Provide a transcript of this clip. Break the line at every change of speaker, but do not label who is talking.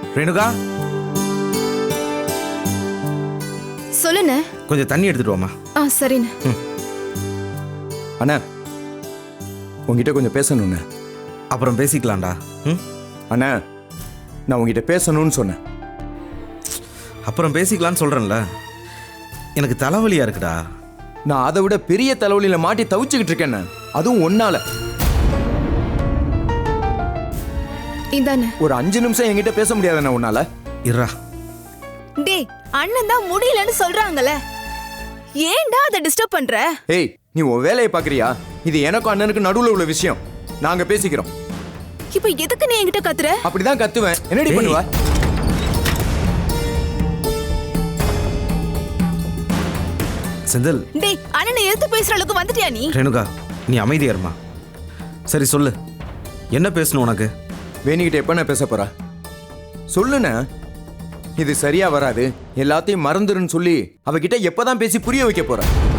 ரேணுகா,
சொல்லுண்ணே.
கொஞ்சம் தண்ணி எடுத்துட்டு வாமா.
சரிண்ணே.
அண்ணா, உங்ககிட்ட கொஞ்சம் பேசணுண்ணே.
அப்புறம் பேசிக்கலாம்டா.
அண்ணா, நான் உங்ககிட்ட பேசணும்னு சொன்னேன்.
அப்புறம் பேசிக்கலான்னு சொல்றேன்ல. எனக்கு தலைவலியா இருக்குடா.
நான் அதை விட பெரிய தலைவலியில மாட்டி தவிச்சுக்கிட்டு இருக்கேன். அதுவும் ஒன்னால.
இதானே
ஒரு 5 நிமிஷம் என்கிட்ட பேச முடியாதுண்ணா உன்னால.
இருடா.
டேய், அண்ணன் தான் முடியலன்னு சொல்றாங்கல்ல, ஏன்டா அதை டிஸ்டர்ப் பண்ற?
ஏய், நீ உன் வேலையை பாக்குறியா? இது எனக்கும் அண்ணனுக்கு நடுவுல உள்ள விஷயம். நாங்க பேசிக்கிறோம்.
இப்ப எதுக்கு நீ என்கிட்ட கத்துற?
அப்படிதான் கத்துவேன். என்னடி பண்ணுவ?
செந்தில்.
டேய், அண்ணனை எதிர்த்து பேசுற அளவுக்கு வந்துட்டியா நீ?
ரேணுகா, நீ அமைதியா இருமா. சரி சொல்லு, என்ன பேசணும் உனக்கு?
வேணிக்கிட்ட எப்ப நான் பேச போறா? சொல்லுண்ண. இது சரியா வராது, எல்லாத்தையும் மறந்துருன்னு சொல்லி அவகிட்ட எப்பதான் பேசி புரிய வைக்க போற?